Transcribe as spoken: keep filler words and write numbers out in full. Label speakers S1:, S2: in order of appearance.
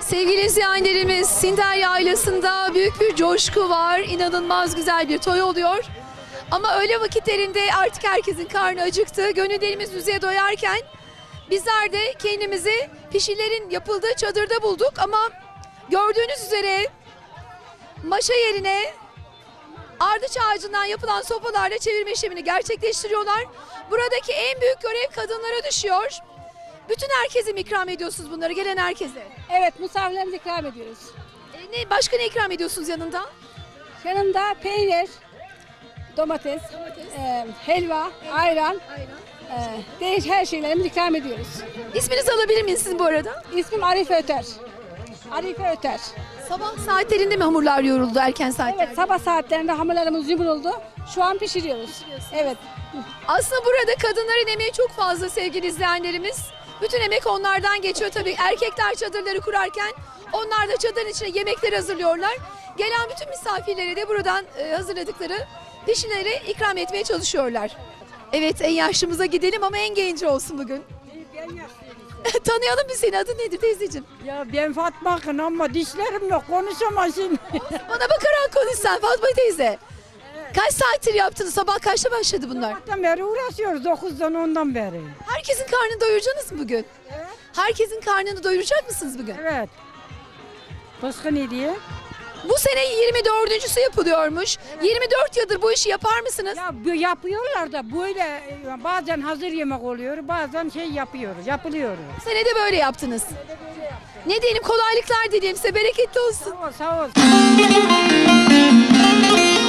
S1: Sevgili izleyenlerimiz, Sinder Yaylası'nda büyük bir coşku var. İnanılmaz güzel bir toy oluyor. Ama öğle vakitlerinde artık herkesin karnı acıktı. Gönüllerimiz yüzeye doyarken bizler de kendimizi pişilerin yapıldığı çadırda bulduk. Ama gördüğünüz üzere maşa yerine ardıç ağacından yapılan sopalarla çevirme işlemini gerçekleştiriyorlar. Buradaki en büyük görev kadınlara düşüyor. Bütün herkese mi ikram ediyorsunuz bunları, gelen herkese?
S2: Evet, misafirlerimize ikram ediyoruz.
S1: E, ne, başka ne ikram ediyorsunuz yanında?
S2: Yanında peynir, domates, e, helva, ayran, e, değiş her şeylerimizi ikram ediyoruz.
S1: İsminizi alabilir miyim sizin bu arada?
S2: İsmim Arife Öter. Arife Öter.
S1: Sabah saatlerinde mi hamurlar yoğruldu, erken saatlerde?
S2: Evet, sabah saatlerinde hamurlarımız yumruldu. Şu an pişiriyoruz. Evet.
S1: Aslında burada kadınların emeği çok fazla sevgili izleyenlerimiz. Bütün emek onlardan geçiyor tabii. Erkekler çadırları kurarken onlar da çadırın içine yemekleri hazırlıyorlar. Gelen bütün misafirlere de buradan e, hazırladıkları pişileri ikram etmeye çalışıyorlar. Evet, en yaşlımıza gidelim ama en genci olsun bugün. Tanıyalım mı seni? Adın nedir teyzeciğim?
S3: Ya ben Fatma Akın ama dişlerim yok, konuşamazsın.
S1: Bana bakarak konuş sen Fatma teyze. Kaç saattir yaptınız? Sabah kaçta başladı bunlar?
S3: Sabahtan beri uğraşıyoruz, dokuzdan ondan beri.
S1: Herkesin karnını doyuracaksınız mı bugün?
S3: Evet.
S1: Herkesin karnını doyuracak mısınız bugün?
S3: Evet. Başka ne diye?
S1: Bu sene yirmi dördüncüsü yapılıyormuş. yirmi dört yıldır bu işi yapar mısınız?
S3: Ya bu yapıyorlar da böyle e, bazen hazır yemek oluyor, bazen şey yapıyoruz, yapılıyor.
S1: Bu sene de böyle yaptınız. Ne diyelim, kolaylıklar dileyelim size, bereketli olsun.
S3: Sağ ol, sağ ol.